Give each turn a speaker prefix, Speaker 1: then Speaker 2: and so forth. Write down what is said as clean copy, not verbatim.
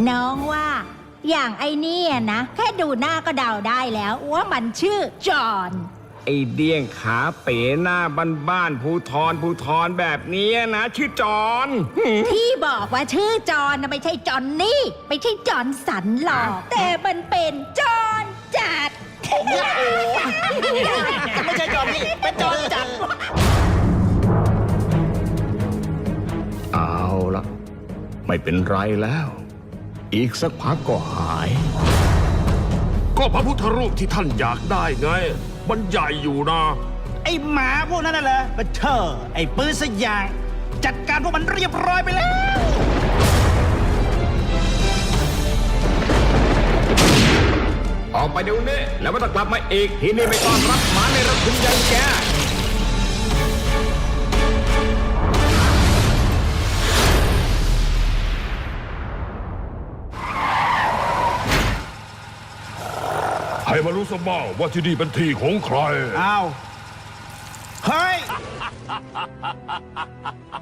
Speaker 1: น้องว่าอย่างไอ้นี่นะแค่ดูหน้าก็เดาได้แล้วว่ามันชื่อจอห์น
Speaker 2: ไอเดี้ยงขาเป๋หน้าบ้านๆภูทรแบบนี้นะชื่อจอน
Speaker 1: ที่บอกว่าชื่อจอห์นนะไม่ใช่จอห์นนี่ไม่ใช่จอห์นสันหรอกแต่มันเป็นจอห์นจัด
Speaker 3: ไม่ใช่จอนนี่เป็นจอนจัด
Speaker 2: เอาละไม่เป็นไรแล้ว อีกสักพักก็หาย
Speaker 4: ก็พระพุทธรูปที่ท่านอยากได้ไง มันใหญ่อยู่นะ
Speaker 3: ไอ้หมาพวกนั้นน่ะเหรอมาเชอไอ้ปืนสยาง จัดการพวกมันเรียบร้อยไปแล้ว
Speaker 2: ออกไปเดี๋ยวนี้แล้วไม่ต้องกลับมาอีกที่นี่ไม่ต้อนรับหมาในระคุมอย่างแก
Speaker 4: ให้มารู้สบ้างว่าที่นี่เป็นที่ของใคร
Speaker 3: อ้าว เฮ้ย